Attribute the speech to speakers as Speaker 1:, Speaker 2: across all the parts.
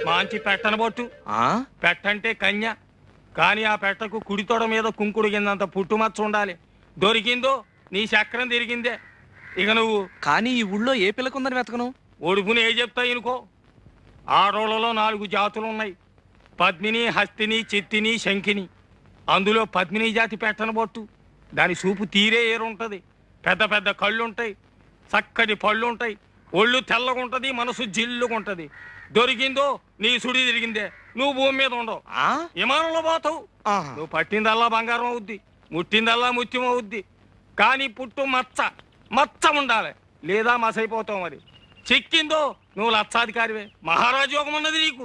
Speaker 1: మాంచి పెట్టనబొట్టు. పెట్టంటే కన్య, కానీ ఆ పెట్టకు కుడి తొడ మీద కుంకుడు కిందంత పుట్టుమచ్చ ఉండాలి. దొరికిందో నీ చక్రం తిరిగిందే. ఇక నువ్వు
Speaker 2: కానీ ఈ ఊళ్ళో ఏ పిల్లకుందని వెతకను?
Speaker 1: ఒడుపుని ఏ చెప్తాయి అనుకో. ఆడోళ్లలో 4 జాతులు ఉన్నాయి: పద్మిని, హస్తిని, చిత్తిని, శంఖిని. అందులో పద్మిని జాతి పెట్టనబొట్టు. దాని చూపు తీరే ఏరుంటది. పెద్ద పెద్ద కళ్ళుంటాయి, చక్కటి పళ్ళుంటాయి, ఒళ్ళు తెల్లగుంటది, మనసు జిల్లుగుంటది. దొరికిందో నీ సుడి తిరిగిందే. నువ్వు భూమి మీద ఉండవు, విమానంలో పోతావు. నువ్వు పట్టిందల్లా బంగారం అవుద్ది, ముట్టిందల్లా ముత్యం అవుద్ది. కానీ పుట్టు మచ్చ ఉండాలి, లేదా మసైపోతావు. మరి చిక్కిందో నువ్వు లక్షాధికారివే. మహారాజు యోగం ఉన్నది నీకు.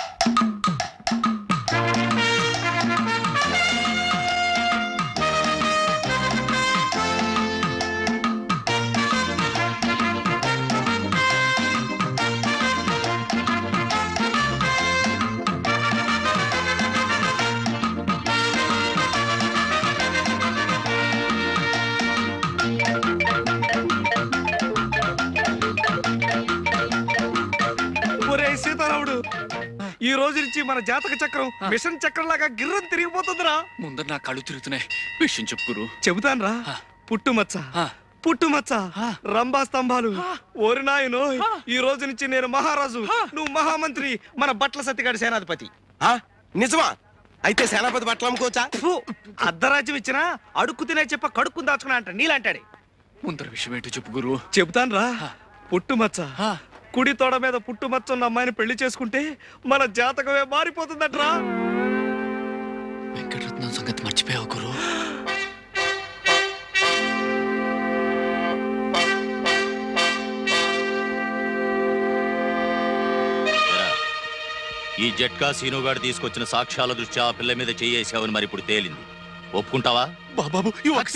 Speaker 2: ఈ రోజు నుంచి మన జాతక చక్రం మిషన్ చక్రం లాగా గిర్రం తిరిగిపోతుందిరా.
Speaker 3: ముందర నా కళ్ళు తిరుగుతున్నాయి. విషయం చెప్పుకురు.
Speaker 2: చెబుతాను రా. పుట్టుమచ్చ రంభా స్తంభాలు. ఓరి నాయనో, ఈ రోజు నుంచి నేను మహారాజు, నువ్వు మహామంత్రి, మన బట్ల సత్తిగాడి సేనాధిపతి.
Speaker 4: నిజమా? అయితే సేనాపతి బట్టలు అమ్ముకోవచ్చా?
Speaker 2: అర్ధరాజ్యం ఇచ్చినా అడుక్కు తినే చెప్ప కడుక్కుని దాచుకున్నా అంట నీలాంటాడే.
Speaker 3: ముందర విషయం ఏంటో చెప్పు గురు.
Speaker 2: చెబుతాను రా. పుట్టుమచ్చ, కుడి తోడ మీద పుట్టుమచ్చ ఉన్న అమ్మాయిని పెళ్లి చేసుకుంటే మన జాతకమే మారిపోతుందట్రా.
Speaker 3: వెంకటరత్నం సంగతి మర్చిపోయావు గురు.
Speaker 5: ఈ జట్కా సీనుగాడు తీసుకొచ్చిన సాక్ష్యాల దృష్ట్యా ఆ పిల్ల మీద చేయేసావని మరి ఇప్పుడు తేలింది. ఒప్పుకుంటావా?
Speaker 2: బాబు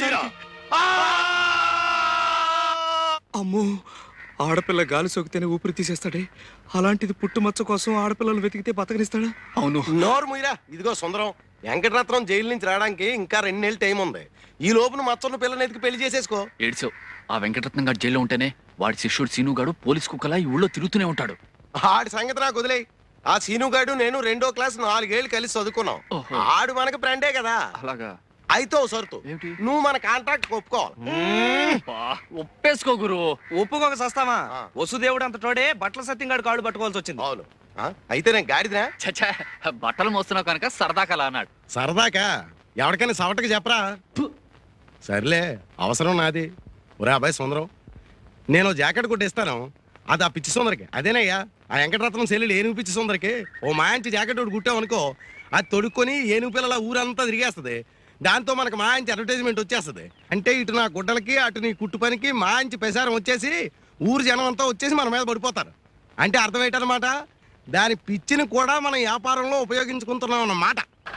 Speaker 2: అమ్మో, ఆడపిల్ల గాలి సోకితేనే ఊపిరి తీసేస్తాడే, అలాంటిది పుట్టుమచ్చ కోసం ఆడపిల్లలు వెతికితే బతకనిస్తాడా?
Speaker 3: అవును.
Speaker 4: నోరు ముయ్యరా. ఇదిగో సుందరం, వెంకటరత్నం జైలు నుంచి రావడానికి ఇంకా 2 నెలలు టైం ఉంది. ఈ లోపున మచ్చన్న పిల్లని ఎతికి పెళ్లి చేసేసుకో.
Speaker 3: ఏడ్చావు. ఆ వెంకటరత్నం గారు జైల్లో ఉంటేనే వాడి శిష్యుడు సీనుగాడు పోలీస్ కుక్కలా ఈ ఊళ్ళో తిరుగుతూనే ఉంటాడు.
Speaker 4: ఆడి సంగతి నాకు వదిలేయి. ఆ సీనుగాడు నేను 2వ క్లాస్ 4 ఏళ్ళు కలిసి చదువుకున్నాం. ఆడు మనకి ఫ్రెండే కదా.
Speaker 3: అలాగా?
Speaker 4: అయితే ఓ సరుతు, నువ్వు మన కాంట్రాక్ట్ ఒప్పుకోవాలి.
Speaker 3: ఒప్పేసుకో గురు.
Speaker 2: ఒప్పుకోక సస్తామా? వసుదేవుడు అంత తోడే బట్టల సత్యంగాడు కాళ్ళు పట్టుకోవాల్సి వచ్చింది.
Speaker 4: అవును. అయితే నేను గాడిదినా?
Speaker 3: చచ్చా, బట్టలు మోస్తున్నావు కనుక సరదాకలా అన్నాడు.
Speaker 4: సరదాకా? ఎవరికైనా సవటకి చెప్పరా? సర్లే, అవసరం నాది. ఒరే అబ్బాయి సుందరం, నేను జాకెట్ కొట్టిస్తాను, అది ఆ పిచ్చి సుందరికి. అదేనయ్యా ఆ వెంకటరత్నం సెల్లుడు ఏనుగు పిచ్చి సుందరికి ఓ మాయించి జాకెట్ ఒకటి కుట్టామనుకో, అది తొడుక్కొని ఏనుగు పిల్లల ఊరంతా తిరిగేస్తుంది. దాంతో మనకు మాయించి అడ్వర్టైజ్మెంట్ వచ్చేస్తుంది. అంటే ఇటు నా గుడ్డలకి అటు నీ కుట్టు పనికి మాయించి ప్రసారం వచ్చేసి ఊరు జనం అంతా వచ్చేసి మన మీద పడిపోతారు. అంటే అర్థం ఏంటన్నమాట, దాని పిచ్చిని కూడా మనం వ్యాపారంలో ఉపయోగించుకుంటున్నాం అన్నమాట.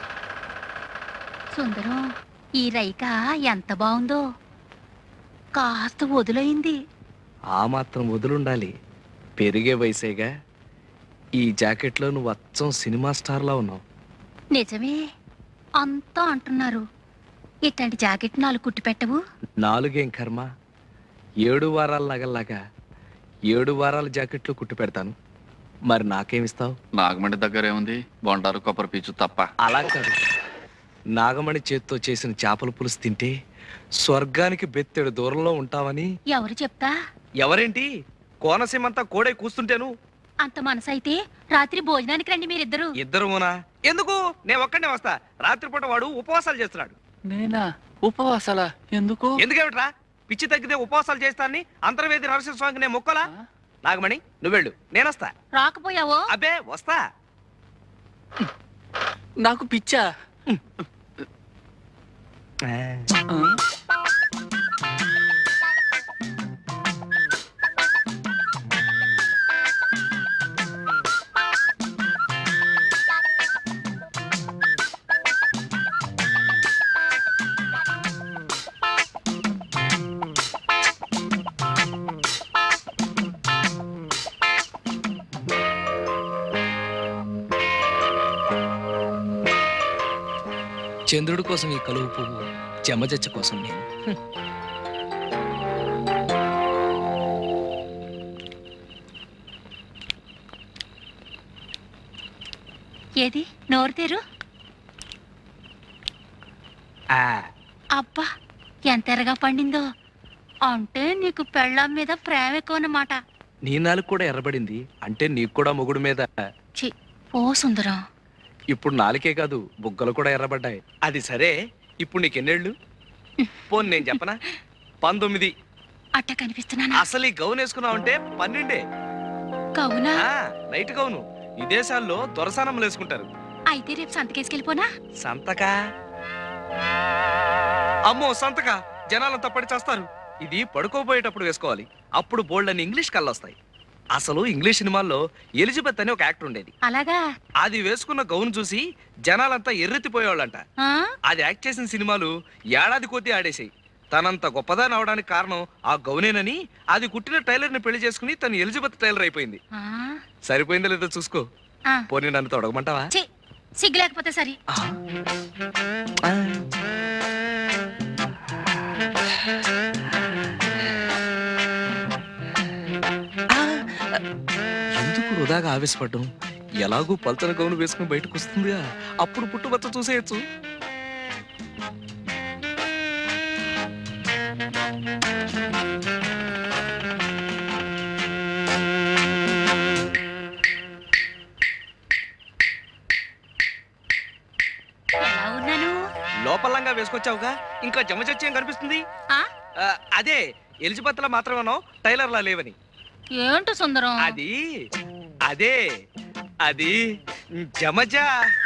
Speaker 6: సుందరం, ఈ రైక ఎంత బాగుందో. కాస్త వదులైంది.
Speaker 2: ఆ మాత్రం వదులుండాలి, పెరిగే వయసేగా. ఈ జాకెట్లో నువ్వు అచ్చం సినిమా స్టార్లా ఉన్నావు.
Speaker 6: నిజమే, అంతా అంటున్నారు. ఇట్లాంటి జాకెట్ 4 కుట్టి పెట్టవు?
Speaker 2: 4 ఏం కర్మ, 7 వారాల నగల్లాగా 7 వారాల జాకెట్లు కుట్టి పెడతాను. మరి నాకేమిస్తావు?
Speaker 3: నాగమణి దగ్గర ఏముంది? బొండారు కొబ్బరి పీచు తప్ప.
Speaker 2: అలా కాదు, నాగమణి చేత్తో చేసిన చేపల పులుసు తింటే స్వర్గానికి బెత్తెడు దూరంలో ఉంటావని.
Speaker 6: ఎవరు చెప్తా?
Speaker 2: ఎవరేంటి, కోనసీమంతా కోడే కూస్తుంటేను.
Speaker 6: అంత మనసైతే రాత్రి భోజనానికి రండి మీరిద్దరు.
Speaker 2: ఇద్దరునా? ఎందుకు? నేను ఒక్కడే వస్తా. రాత్రిపూట వాడు ఉపవాసాలు చేస్తున్నాడు.
Speaker 3: నేనా? ఉపవాసాలా? ఎందుకు?
Speaker 2: ఎందుకేమిట్రా? పిచ్చి తగ్గితే ఉపవాసాలు చేస్తానని అంతర్వేది నరసింహ స్వామికి నేను మొక్కలా? నాగమణి నువ్వెళ్ళు, నేనొస్తా.
Speaker 6: రాకపోయావో?
Speaker 2: అబ్బే వస్తా.
Speaker 3: నాకు పిచ్చా?
Speaker 2: చంద్రుడి కోసం ఈ కలువు పువ్వు, చెమజచ్చ కోసం నేను.
Speaker 6: ఏది నోరు తెరు. అబ్బా ఎంత ఎర్రగా పండిందో. అంటే నీకు పెళ్ళాం మీద ప్రేమ ఎక్కువ అన్నమాట.
Speaker 2: నీ నాలుగు కూడా ఎర్రబడింది అంటే నీకు కూడా మొగుడు మీద.
Speaker 6: చి ఓ సుందరం.
Speaker 2: ఇప్పుడు నాలుకే కాదు బుగ్గలు కూడా ఎర్రబడ్డాయి. అది సరే, ఇప్పుడు నీకెన్నేళ్ళు? పోన్ నేను చెప్పనా, 19.
Speaker 6: అట్ట కనిపిస్తున్నానా?
Speaker 2: అసలు ఈ గౌన్ వేసుకున్నావంటే 12.
Speaker 6: కవునా?
Speaker 2: నైట్ గౌను ఈ దేశాల్లో దొరసానమ్మలు వేసుకుంటారు.
Speaker 6: అయితే రేపు సంతకేసుకెళ్ళిపోనా?
Speaker 2: సంతకా? అమ్మో సంతక, జనాలంతా పడి చేస్తారు. ఇది పడుకోబోయేటప్పుడు వేసుకోవాలి. అప్పుడు బోల్డ్ అని ఇంగ్లీష్ కళ్ళొస్తాయి. అసలు ఇంగ్లీష్ సినిమాల్లో ఎలిజబెత్ అని ఒక యాక్టర్ ఉండేది.
Speaker 6: అలాగా?
Speaker 2: అది వేసుకున్న గౌన్ చూసి జనాలంతా ఎర్రెత్తిపోయేవాళ్ళంట.
Speaker 6: ఆ?
Speaker 2: అది యాక్ట్ చేసిన సినిమాలు ఏడాది కొద్దీ ఆడేసాయి. తనంత గొప్పదాని అవడానికి కారణం ఆ గౌనేనని అది కుట్టిన టైలర్ ని పెళ్లి చేసుకుని తను ఎలిజబెత్ టైలర్ అయిపోయింది.
Speaker 6: ఆ?
Speaker 2: సరిపోయిందో లేదో చూసుకో.
Speaker 6: ఆ.
Speaker 2: పోనీ నన్ను తొడగమంటావా?
Speaker 6: ఛీ, సిగ్గు లేకపోతే సరి.
Speaker 2: ఎందుకు వృధాగా ఆవేశపడ్డం? ఎలాగూ పల్చన గౌను వేసుకుని బయటకు వస్తుందిగా, అప్పుడు పుట్టుబచ్చ చూసేయచ్చు.
Speaker 6: ఎలా ఉన్నాను?
Speaker 2: లోపలంగా వేసుకొచ్చావుగా, ఇంకా జమచచ్చేం కనిపిస్తుంది.
Speaker 6: ఆ?
Speaker 2: అదే ఎలిజబెత్ లా మాత్రమేనో టైలర్ లా లేవని.
Speaker 6: ఏంటో సుందరం?
Speaker 2: అది అదే అది జమజా.